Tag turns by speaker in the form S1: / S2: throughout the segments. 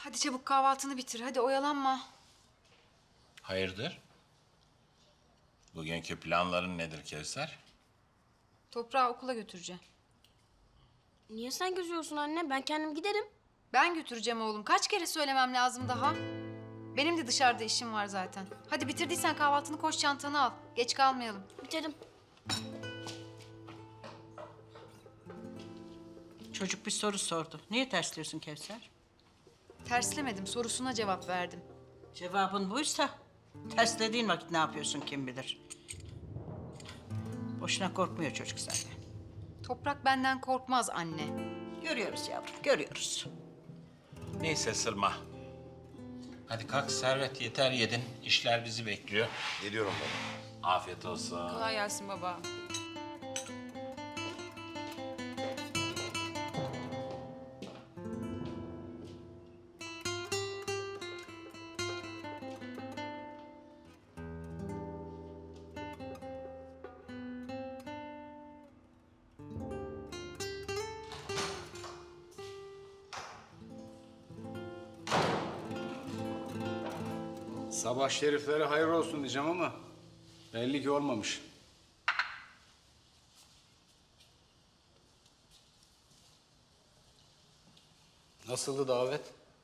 S1: Hadi çabuk kahvaltını bitir. Hadi oyalanma.
S2: Hayırdır? Bugünkü planların nedir Kevser?
S1: Toprağı okula götüreceğim.
S3: Niye sen gözüyorsun anne? Ben kendim giderim.
S1: Ben götüreceğim oğlum. Kaç kere söylemem lazım daha? Benim de dışarıda işim var zaten. Hadi bitirdiysen kahvaltını koş çantanı al. Geç kalmayalım.
S3: Biterim.
S4: Çocuk bir soru sordu. Niye tersliyorsun Kevser?
S1: Terslemedim. Sorusuna cevap verdim.
S4: Cevabın buysa terslediğin vakit ne yapıyorsun kim bilir. Boşuna korkmuyor çocuk senden.
S1: Toprak benden korkmaz anne.
S4: Görüyoruz yavrum, görüyoruz.
S2: Neyse Sırma. Hadi kalk Servet, yeter yedin. İşler bizi bekliyor.
S5: Geliyorum baba.
S2: Afiyet olsun.
S1: Kolay gelsin baba.
S5: Sabah şeriflere hayır olsun diyeceğim ama belli ki olmamış. Nasıldı davet?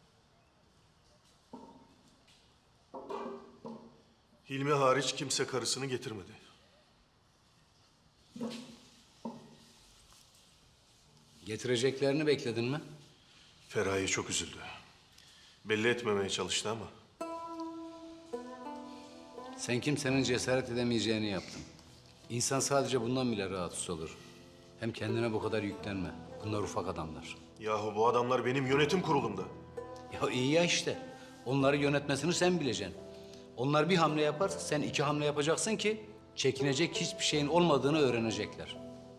S6: Hilmi hariç kimse karısını getirmedi.
S5: Getireceklerini bekledin mi?
S6: Feraye çok üzüldü. Belli etmemeye çalıştı ama.
S5: Sen kimsenin cesaret edemeyeceğini yaptın. İnsan sadece bundan bile rahatsız olur. Hem kendine bu kadar yüklenme. Bunlar ufak adamlar.
S6: Yahu bu adamlar benim yönetim kurulumda.
S5: Ya iyi ya işte. Onları yönetmesini sen bileceksin. Onlar bir hamle yaparsa sen iki hamle yapacaksın ki çekinecek hiçbir şeyin olmadığını öğrenecekler.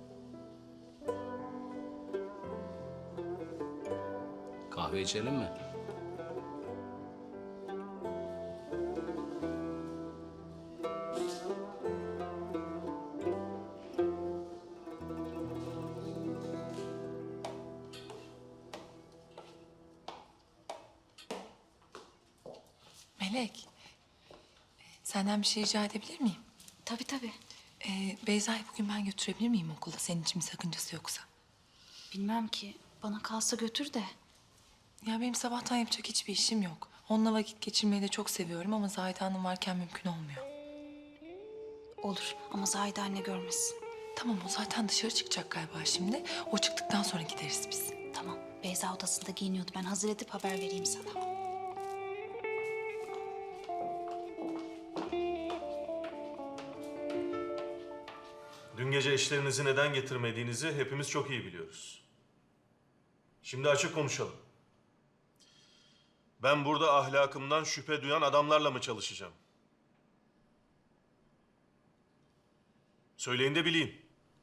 S5: Kahve içelim mi?
S7: Melek, senden bir şey rica edebilir miyim?
S3: Tabii tabii.
S7: Beyza'yı bugün ben götürebilir miyim okula? Senin için bir sakıncası yoksa.
S3: Bilmem ki. Bana kalsa götür de.
S7: Ya benim sabahtan yapacak hiçbir işim yok. Onunla vakit geçirmeyi de çok seviyorum ama Zahide Hanım varken mümkün olmuyor.
S3: Olur ama Zahide anne görmesin.
S7: Tamam, o zaten dışarı çıkacak galiba şimdi. O çıktıktan sonra gideriz biz.
S3: Tamam. Beyza odasında giyiniyordu. Ben hazır edip haber vereyim sana.
S6: Dün gece eşlerinizi neden getirmediğinizi hepimiz çok iyi biliyoruz. Şimdi açık konuşalım. Ben burada ahlakımdan şüphe duyan adamlarla mı çalışacağım? Söyleyin de bileyim.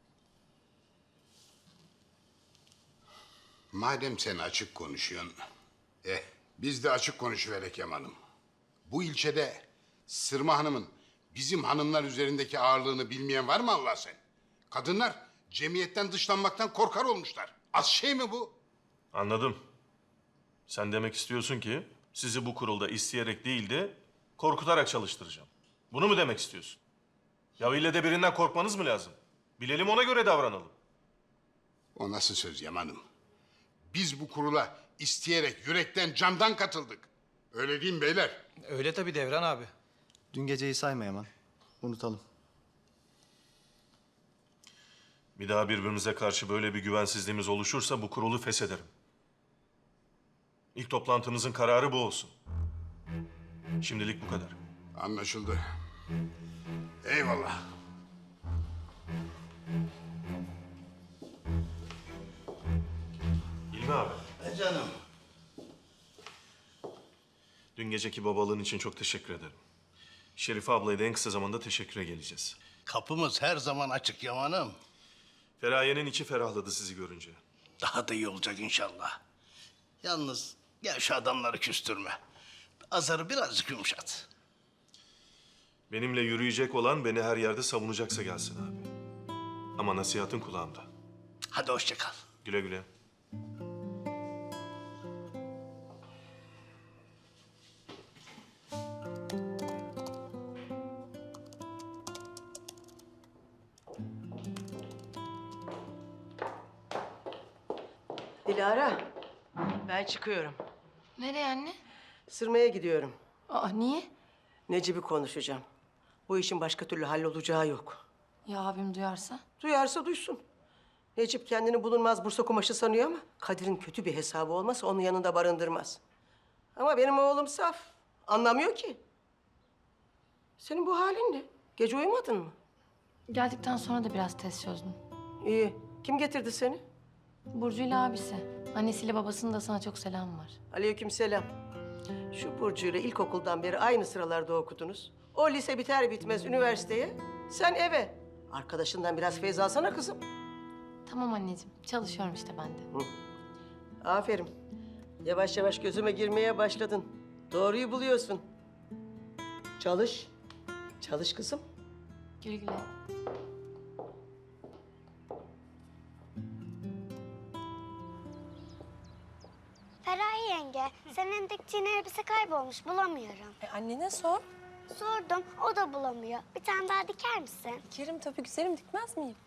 S8: Madem sen açık konuşuyorsun, biz de açık konuşuverek Yaman'ım. Bu ilçede Sırma Hanım'ın bizim hanımlar üzerindeki ağırlığını bilmeyen var mı Allah sen? Kadınlar cemiyetten dışlanmaktan korkar olmuşlar. Az şey mi bu?
S6: Anladım. Sen demek istiyorsun ki sizi bu kurulda isteyerek değil de korkutarak çalıştıracağım. Bunu mu demek istiyorsun? Ya ille de birinden korkmanız mı lazım? Bilelim, ona göre davranalım.
S8: O nasıl söz Yaman'ım? Biz bu kurula isteyerek, yürekten, candan katıldık. Öyle değil mi beyler?
S9: Öyle tabii Devran abi. Dün geceyi sayma Yaman. Unutalım.
S6: Bir daha birbirimize karşı böyle bir güvensizliğimiz oluşursa bu kurulu feshederim. İlk toplantımızın kararı bu olsun. Şimdilik bu kadar.
S8: Anlaşıldı. Eyvallah.
S6: İlmi abi,
S8: Canım.
S6: dün geceki babalığın için çok teşekkür ederim. Şerife ablaya da en kısa zamanda teşekküre geleceğiz.
S8: Kapımız her zaman açık Yaman'ım.
S6: Feraye'nin içi ferahladı sizi görünce.
S8: Daha da iyi olacak inşallah. Yalnız gel şu adamları küstürme. Azarı birazcık yumuşat.
S6: Benimle yürüyecek olan beni her yerde savunacaksa gelsin abi. Ama nasihatın kulağımda.
S8: Hadi hoşça kal.
S6: Güle güle.
S10: Dilara, ben çıkıyorum.
S3: Nereye anne?
S10: Sırmaya gidiyorum.
S3: Aa niye?
S10: Necip'i konuşacağım. Bu işin başka türlü hallolacağı yok.
S3: Ya abim duyarsa?
S10: Duyarsa duysun. Necip kendini bulunmaz Bursa kumaşı sanıyor ama Kadir'in kötü bir hesabı olmazsa onun yanında barındırmaz. Ama benim oğlum saf. Anlamıyor ki. Senin bu halin ne? Gece uyumadın mı?
S3: Geldikten sonra da biraz tez çözdüm.
S10: İyi. Kim getirdi seni?
S3: Burcu ile abisi. Annesiyle babasının da sana çok selam var.
S10: Aleykümselam. Şu Burcu'yla ilkokuldan beri aynı sıralarda okudunuz. O lise biter bitmez üniversiteye, sen eve. Arkadaşından biraz feyz alsana kızım.
S3: Tamam anneciğim. Çalışıyorum işte ben de.
S10: Aferin. Yavaş yavaş gözüme girmeye başladın. Doğruyu buluyorsun. Çalış. Çalış kızım.
S3: Güle güle.
S11: Feraye yenge, senin diktiğin elbise kaybolmuş, bulamıyorum.
S7: Annene sor.
S11: Sordum, o da bulamıyor. Bir tane daha diker misin?
S7: Dikerim tabii güzelim, dikmez miyim?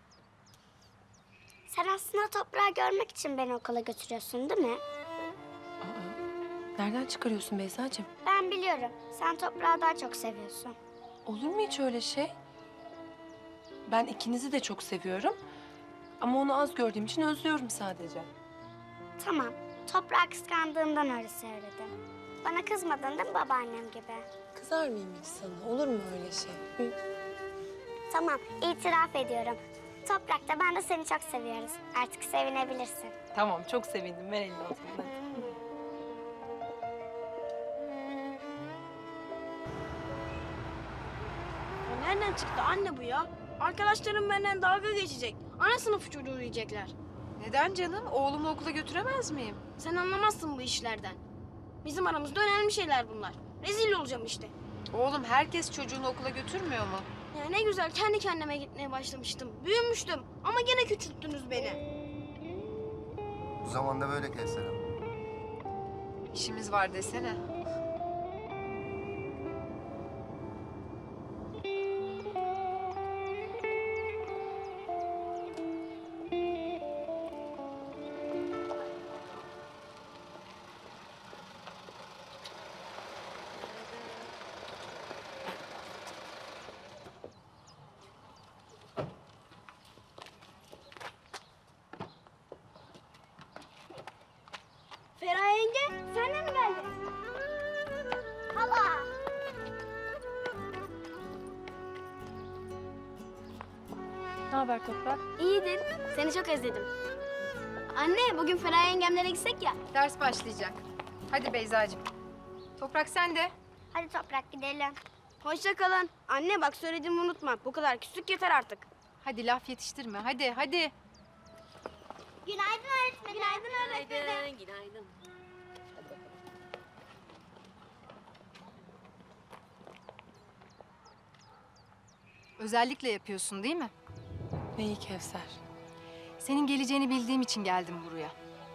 S11: Sen aslında toprağı görmek için beni okula götürüyorsun değil mi?
S7: Nereden çıkarıyorsun Beyza'cığım?
S11: Ben biliyorum, sen toprağı daha çok seviyorsun.
S7: Olur mu hiç öyle şey? Ben ikinizi de çok seviyorum. Ama onu az gördüğüm için özlüyorum sadece.
S11: Tamam, toprağı kıskandığımdan öyle söyledim. Bana kızmadın değil mi babaannem gibi?
S7: Kızar mıyım hiç sana? Olur mu öyle şey?
S11: Tamam, itiraf ediyorum. Toprakta ben de seni çok seviyoruz. Artık sevinebilirsin.
S7: Tamam, çok sevindim. Ver elini o zaman, hadi.
S3: Nereden çıktı anne bu ya? Arkadaşlarım benden dalga geçecek. Ana sınıfı çocuğu diyecekler.
S1: Neden canım? Oğlumu okula götüremez miyim?
S3: Sen anlamazsın bu işlerden. Bizim aramızda önemli şeyler bunlar. Rezil olacağım işte.
S1: Oğlum herkes çocuğunu okula götürmüyor mu?
S3: Ya ne güzel kendi kendime gitmeye başlamıştım. Büyümüştüm ama gene küçülttünüz beni.
S9: Bu zamanda böyle Kevser Hanım.
S1: İşimiz var desene.
S11: Feraye yenge, sen de mi geldin? Hala.
S3: Ne haber Toprak?
S11: İyidir, seni çok özledim. Anne, bugün Feraye yengemlere gitsek ya.
S1: Ders başlayacak. Hadi Beyza'cığım. Toprak sen de.
S11: Hadi Toprak gidelim.
S3: Hoşça kalın. Anne bak söylediğimi unutma. Bu kadar küslük yeter artık.
S1: Hadi laf yetiştirme. Hadi hadi.
S11: Günaydın öğretmenim. Günaydın öğretmenim.
S3: Günaydın.
S1: Özellikle yapıyorsun değil mi?
S7: Neyi Kevser?
S1: Senin geleceğini bildiğim için geldim buraya.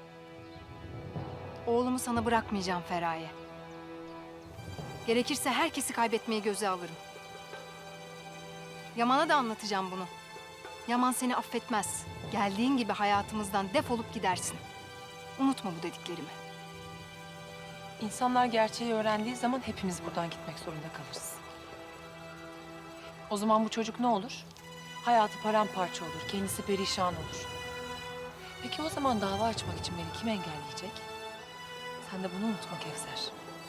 S1: Oğlumu sana bırakmayacağım Feraye. Gerekirse herkesi kaybetmeyi göze alırım. Yaman'a da anlatacağım bunu. Yaman seni affetmez. Geldiğin gibi hayatımızdan defolup gidersin. Unutma bu dediklerimi.
S7: İnsanlar gerçeği öğrendiği zaman hepimiz buradan gitmek zorunda kalırız. O zaman bu çocuk ne olur? Hayatı paramparça olur, kendisi perişan olur. Peki o zaman dava açmak için beni kim engelleyecek? Sen de bunu unutma Kevser.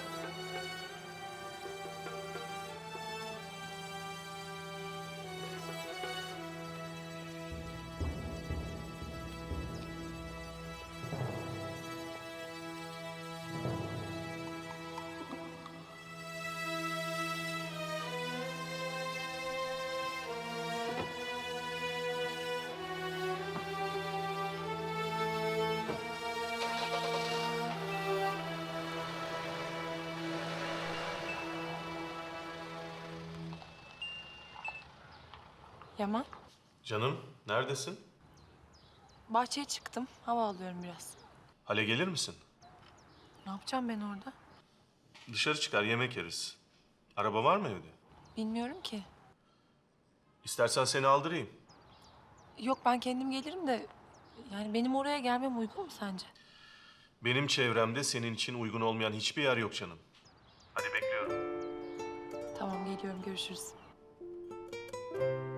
S7: Yaman,
S6: Canım, neredesin?
S7: bahçeye çıktım. Hava alıyorum biraz.
S6: Hale gelir misin?
S7: Ne yapacağım ben orada?
S6: Dışarı çıkar, yemek yeriz. Araba var mı evde?
S7: Bilmiyorum ki.
S6: İstersen seni aldırayım.
S7: Yok ben kendim gelirim de Yani benim oraya gelmem uygun mu sence?
S6: Benim çevremde senin için uygun olmayan hiçbir yer yok canım. Hadi bekliyorum.
S7: Tamam, geliyorum. Görüşürüz.